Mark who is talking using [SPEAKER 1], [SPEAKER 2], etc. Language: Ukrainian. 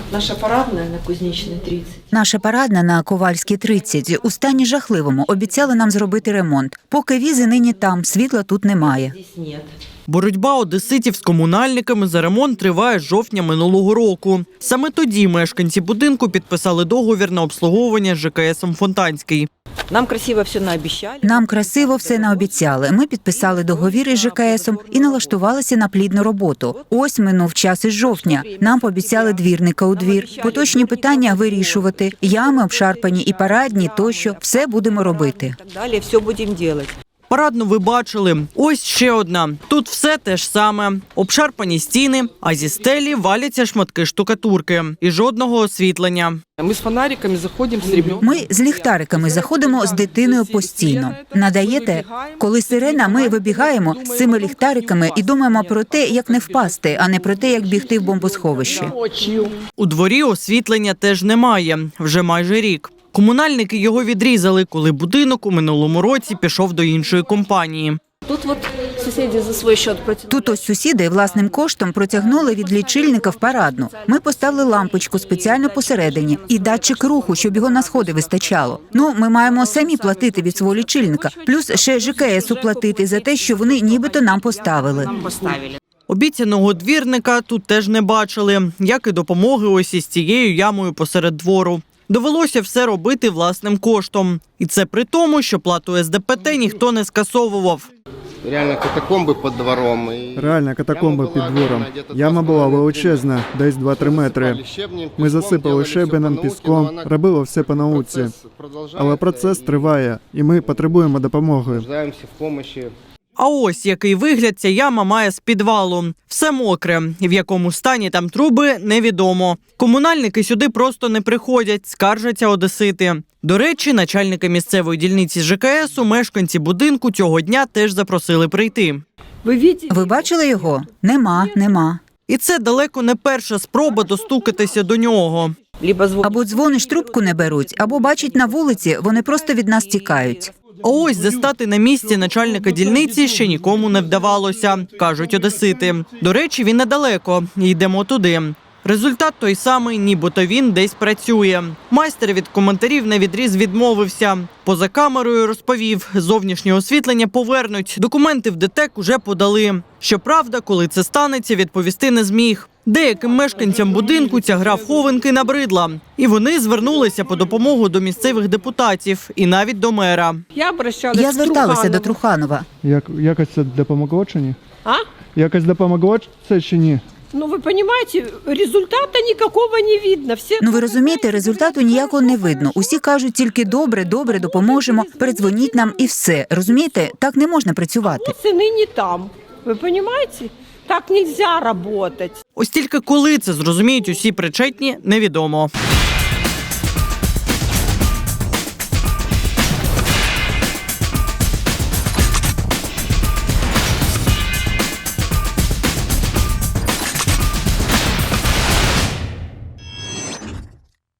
[SPEAKER 1] Наша парадна на Кузнечной 30.
[SPEAKER 2] Наша парадна на Ковальській 30 у стані жахливому. Обіцяли нам зробити ремонт. Поки візи нині там, світла тут немає.
[SPEAKER 1] Здесь нет.
[SPEAKER 3] Боротьба одеситів з комунальниками за ремонт триває з жовтня минулого року. Саме тоді мешканці будинку підписали договір на обслуговування з ЖКСом «Фонтанський».
[SPEAKER 1] Нам красиво все наобещали.
[SPEAKER 2] Нам красиво все наобіцяли. Ми підписали договір із ЖКСом і налаштувалися на плідну роботу. Ось минув час із жовтня. Нам пообіцяли двірника у двір. Поточні питання вирішувати. Ями обшарпані і парадні тощо. Все будемо робити.
[SPEAKER 1] Далі все будемо робити.
[SPEAKER 3] Парадну ви бачили. Ось ще одна. Тут все те ж саме. Обшарпані стіни, а зі стелі валяться шматки штукатурки. І жодного освітлення.
[SPEAKER 4] Ми з фонариками заходимо з ребенком.
[SPEAKER 2] Ми з ліхтариками заходимо з дитиною постійно. Надаєте? Коли сирена, ми вибігаємо з цими ліхтариками і думаємо про те, як не впасти, а не про те, як бігти в бомбосховище.
[SPEAKER 3] У дворі освітлення теж немає. Вже майже рік. Комунальники його відрізали, коли будинок у минулому році пішов до іншої компанії.
[SPEAKER 1] Тут от сусіди за свій счет протягнули.
[SPEAKER 2] Тут ось сусіди власним коштом протягнули від лічильника в парадну. Ми поставили лампочку спеціально посередині і датчик руху, щоб його на сходи вистачало. Ну, ми маємо самі платити від свого лічильника, плюс ще ЖКСу платити за те, що вони нібито нам поставили.
[SPEAKER 3] Обіцяного двірника тут теж не бачили, як і допомоги ось із цією ямою посеред двору. Довелося все робити власним коштом. І це при тому, що плату СДПТ ніхто не скасовував.
[SPEAKER 5] Реально катакомби під двором.
[SPEAKER 6] Реально катакомби під двором. Яма була величезна, десь 2-3 метри. Ми засипали щебенем, піском, робили все по науці. Але процес триває, і ми потребуємо допомоги.
[SPEAKER 3] А ось який вигляд ця яма має з підвалу. Все мокре. В якому стані там труби – невідомо. Комунальники сюди просто не приходять, скаржаться одесити. До речі, начальника місцевої дільниці ЖКСу мешканці будинку цього дня теж запросили прийти.
[SPEAKER 2] Ви бачили його? Нема.
[SPEAKER 3] І це далеко не перша спроба достукатися до нього.
[SPEAKER 2] Або дзвониш, трубку не беруть, або бачать на вулиці, вони просто від нас тікають.
[SPEAKER 3] А ось застати на місці начальника дільниці ще нікому не вдавалося, кажуть одесити. До речі, він недалеко, йдемо туди. Результат той самий, нібито він десь працює. Майстер від коментарів навідріз відмовився. Поза камерою розповів, зовнішнє освітлення повернуть, документи в ДТЕК уже подали. Щоправда, коли це станеться, відповісти не зміг. Деяким мешканцям будинку ця гра в хованки набридла. І вони звернулися по допомогу до місцевих депутатів і навіть до мера.
[SPEAKER 2] Я зверталася до Труханова.
[SPEAKER 6] Якось це допомогло чи ні?
[SPEAKER 7] А?
[SPEAKER 6] Якось допомогло це чи ні?
[SPEAKER 7] Ну, ви розумієте, результату ніякого не видно.
[SPEAKER 2] Ну, ви розумієте, результату ніякого не видно. Усі кажуть тільки добре, допоможемо, передзвоніть нам і все. Розумієте, так не можна працювати.
[SPEAKER 7] Ціни не там. Ви розумієте? Так не можна працювати.
[SPEAKER 3] Ось тільки коли це зрозуміють усі причетні, невідомо.